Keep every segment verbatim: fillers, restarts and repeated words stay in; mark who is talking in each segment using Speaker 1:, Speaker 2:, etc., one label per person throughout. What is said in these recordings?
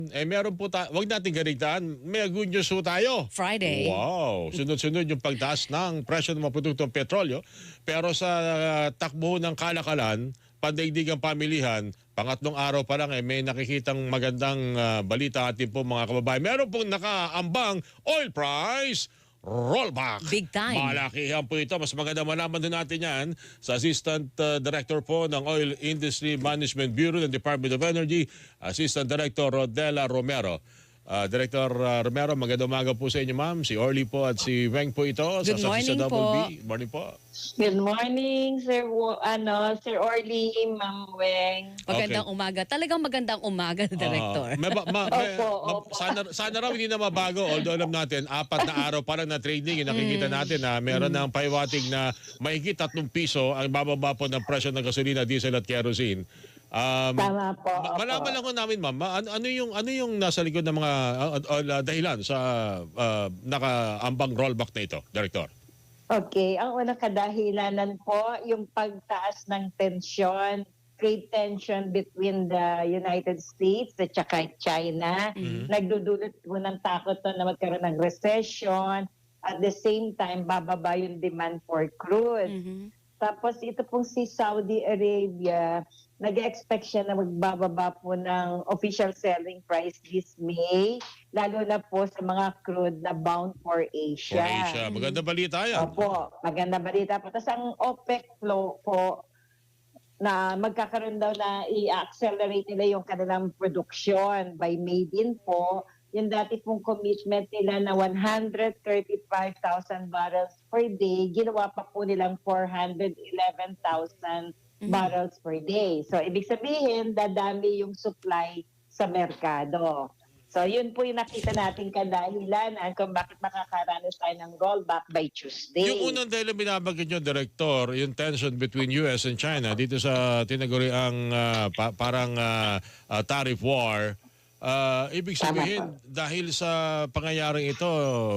Speaker 1: Eh meron po tayo, wag natin ganigtaan, may good news po tayo.
Speaker 2: Friday.
Speaker 1: Wow, sunod-sunod yung pagtaas ng presyo ng mga produktong petrolyo. Pero sa uh, takbo ng kalakalan, pandaigdigang pamilihan, pangatlong araw pa lang eh, may nakikitang magandang uh, balita atin po mga kababayan. Meron pong nakaambang oil price rollback.
Speaker 2: Big time.
Speaker 1: Malakihan po ito. Mas maganda malaman din natin yan sa Assistant uh, Director po ng Oil Industry Management Bureau ng Department of Energy, Assistant Director Rodela Romero. Uh, Director uh, Romero, magandang umaga po sa inyo, ma'am. Si Orly po at si Weng po ito.
Speaker 2: Good
Speaker 1: sa
Speaker 2: morning
Speaker 1: sa
Speaker 2: po.
Speaker 1: B. Morning po.
Speaker 3: Good morning, Sir Wo- ano, Sir Orly, Ma'am Weng.
Speaker 2: Magandang
Speaker 1: Okay.
Speaker 2: umaga. Talagang magandang umaga, Director.
Speaker 1: Ah, may ba- ma- may-
Speaker 3: Opo,
Speaker 1: ma-
Speaker 3: opo.
Speaker 1: sana, sana raw hindi na mabago. Although alam natin, apat na araw pa lang na trading, yung nakikita natin na meron ng paiwating na mahigit tatlong piso ang bababa po ng presyo ng gasolina, diesel at kerosene. Um,
Speaker 3: Tama po.
Speaker 1: ma-
Speaker 3: opo.
Speaker 1: malaman lang ko namin, ma'am, ma- ano, ano yung ano yung nasa likod ng mga uh, uh, dahilan sa uh, nakaambang rollback na ito, Director?
Speaker 3: Okay, ang unang kadahilanan po, yung pagtaas ng tensyon, trade tension between the United States at saka China. Nagdudulot po ng takot to na magkaroon ng recession. At the same time, bababa yung demand for crude.
Speaker 2: Mhm.
Speaker 3: Tapos ito pong si Saudi Arabia, nag-expect siya na magbababa po ng official selling price this May, lalo na po sa mga crude na bound for Asia.
Speaker 1: Asia. Maganda balita yan.
Speaker 3: Opo, maganda balita po. Tapos ang OPEC flow po, na magkakaroon daw na i-accelerate nila yung kanilang production by May din po. Yung dati pong commitment nila na one hundred thirty-five thousand barrels per day, ginawa pa po nilang four hundred eleven thousand barrels per day. So, ibig sabihin, dadami yung supply sa merkado. So, yun po yung nakita natin kadahilanan kung bakit makakaranas tayo ng rollback by Tuesday.
Speaker 1: Yung unang dahil binabanggit nyo, Director, yung tension between U S and China dito sa tinaguriang uh, pa- parang uh, uh, tariff war, uh, ibig sabihin, dahil sa pangyayaring ito,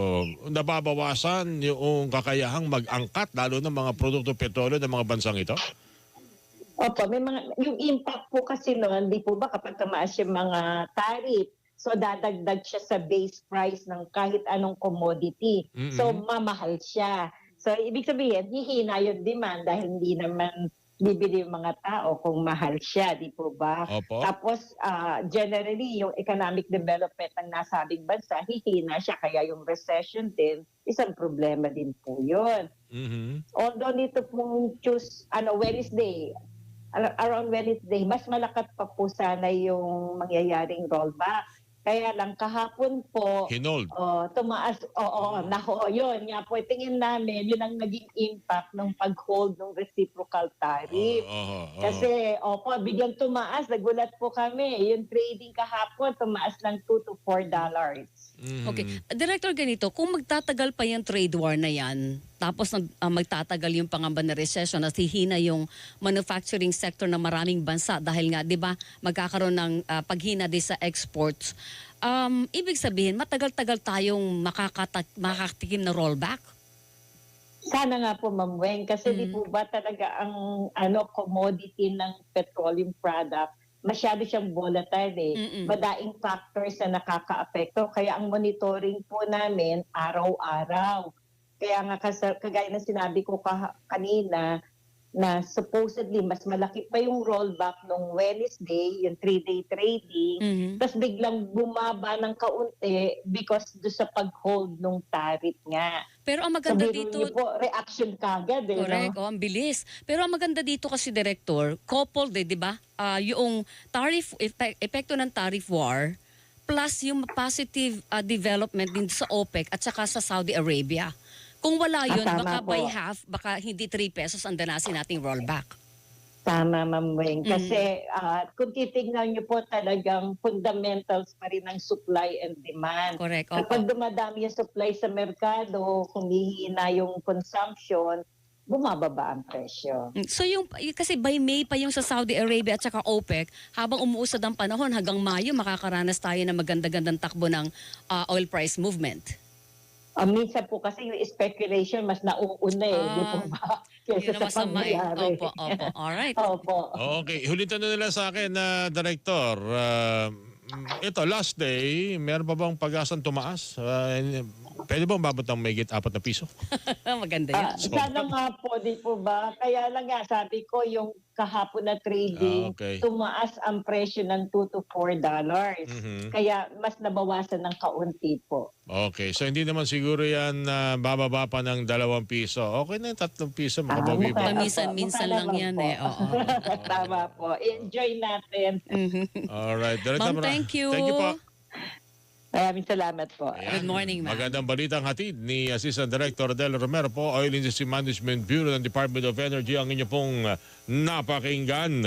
Speaker 1: nababawasan yung kakayahang mag-angkat, lalo ng mga produkto petrolyo ng mga bansang ito?
Speaker 3: Opo, may mga, yung impact po kasi noon, di po ba kapag tumaas yung mga tariff, so dadagdag siya sa base price ng kahit anong commodity.
Speaker 1: Mm-mm.
Speaker 3: So mamahal siya. So ibig sabihin, hihina yung demand dahil hindi naman bibili yung mga tao kung mahal siya, di po ba?
Speaker 1: Opo.
Speaker 3: Tapos ah, generally, yung economic development ng nasabing bansa, hihina siya. Kaya yung recession din, isang problema din po yun.
Speaker 1: Mhm.
Speaker 3: Although nito pong choose, ano, Wednesday, ar- around Wednesday, mas malakat pa po sana yung mangyayaring rollback. Kaya lang kahapon po,
Speaker 1: Hinold.
Speaker 3: oh, tumaas, oo, naho, yun nga po, tingin namin, yun ang naging impact ng pag-hold ng reciprocal tariff.
Speaker 1: Oo, oo, oo.
Speaker 3: Kasi, opo, biglang tumaas, nagulat po kami. Yung trading kahapon, tumaas ng two to four dollars.
Speaker 1: Mhm.
Speaker 2: Okay. Director, ganito, kung magtatagal pa yung trade war na yan, tapos nag, ah, magtatagal yung pangamba na recession at hihina yung manufacturing sector ng maraming bansa dahil nga, di ba, magkakaroon ng ah, paghina din sa exports, um, ibig sabihin, matagal-tagal tayong makakata- makakatikim na rollback?
Speaker 3: Sana nga po, Ma'am Weng, kasi di po ba talaga ang ano commodity ng petroleum product, masyado siyang volatile eh.
Speaker 2: Mm-mm.
Speaker 3: Madaing factors na nakaka-apekto. Kaya ang monitoring po namin, araw-araw. Kaya nga kas- kagaya na sinabi ko kaha- kanina, na supposedly mas malaki pa yung rollback nung Wednesday, yung three-day trading,
Speaker 2: Mhm.
Speaker 3: tapos biglang bumaba ng kaunti because do sa pag-hold nung tariff nga.
Speaker 2: Pero ang maganda
Speaker 3: Sabihin
Speaker 2: dito,
Speaker 3: niyo po, reaction kagad eh.
Speaker 2: correct,
Speaker 3: No?
Speaker 2: oh, ang bilis. Pero ang maganda dito kasi, Director, coupled eh, di ba? Ah, yung tariff, epek- epekto ng tariff war, plus yung positive ah, development din sa OPEC at saka sa Saudi Arabia. Kung wala yun,
Speaker 3: Ah, tama
Speaker 2: baka
Speaker 3: po.
Speaker 2: by half, baka hindi three pesos ang danasin nating rollback.
Speaker 3: Tama, Ma'am Weng.
Speaker 2: Mm.
Speaker 3: Kasi ah, kung titignan niyo po talagang fundamentals pa rin ng supply and demand.
Speaker 2: Correct, opo.
Speaker 3: Kapag dumadami yung supply sa merkado, humihina yung consumption, bumababa ang presyo.
Speaker 2: Mm, So yung, y- kasi by May pa yung sa Saudi Arabia at saka OPEC, habang umuusad ang panahon hanggang Mayo, makakaranas tayo ng maganda-gandang takbo ng ah, oil price movement.
Speaker 3: Ah, minsan po kasi yung speculation mas nauuna eh, di po
Speaker 2: Ah,
Speaker 3: ba? Kesa
Speaker 2: Yun ang
Speaker 3: sa
Speaker 2: masama eh.
Speaker 3: pangyayari.
Speaker 2: Opo, opo. Alright.
Speaker 3: Opo.
Speaker 1: Okay, huling tanong nila sa akin na Director, uh, mm, ito, last day, meron pa bang pag-asang tumaas? Uh, pwede bang babot ng may apat na piso?
Speaker 2: Maganda yan.
Speaker 3: Ah, sana nga po, di po ba? Kaya lang nga, sabi ko, yung kahapon na trading,
Speaker 1: Ah, okay.
Speaker 3: tumaas ang presyo ng two to four dollars.
Speaker 1: Mhm.
Speaker 3: Kaya mas nabawasan ng kaunti po.
Speaker 1: Okay, so hindi naman siguro yan na bababa pa ng dalawang piso. Okay na yung tatlong piso,
Speaker 3: Ah,
Speaker 1: makabawi
Speaker 3: mukha-
Speaker 1: ba?
Speaker 2: Paminsan-minsan
Speaker 3: mukha
Speaker 2: lang
Speaker 3: naman
Speaker 2: yan
Speaker 3: po.
Speaker 2: eh, oo.
Speaker 3: Tama po. Enjoy natin.
Speaker 1: Alright. Director,
Speaker 2: Ma'am,
Speaker 1: mara-
Speaker 2: thank you.
Speaker 1: Thank you po.
Speaker 3: Maraming salamat po.
Speaker 1: Ayan.
Speaker 2: Good morning, ma'am.
Speaker 1: Magandang balitang hatid ni Assistant Director Del Romero po, Oil Industry Management Bureau ng Department of Energy. Ang inyo pong napakinggan.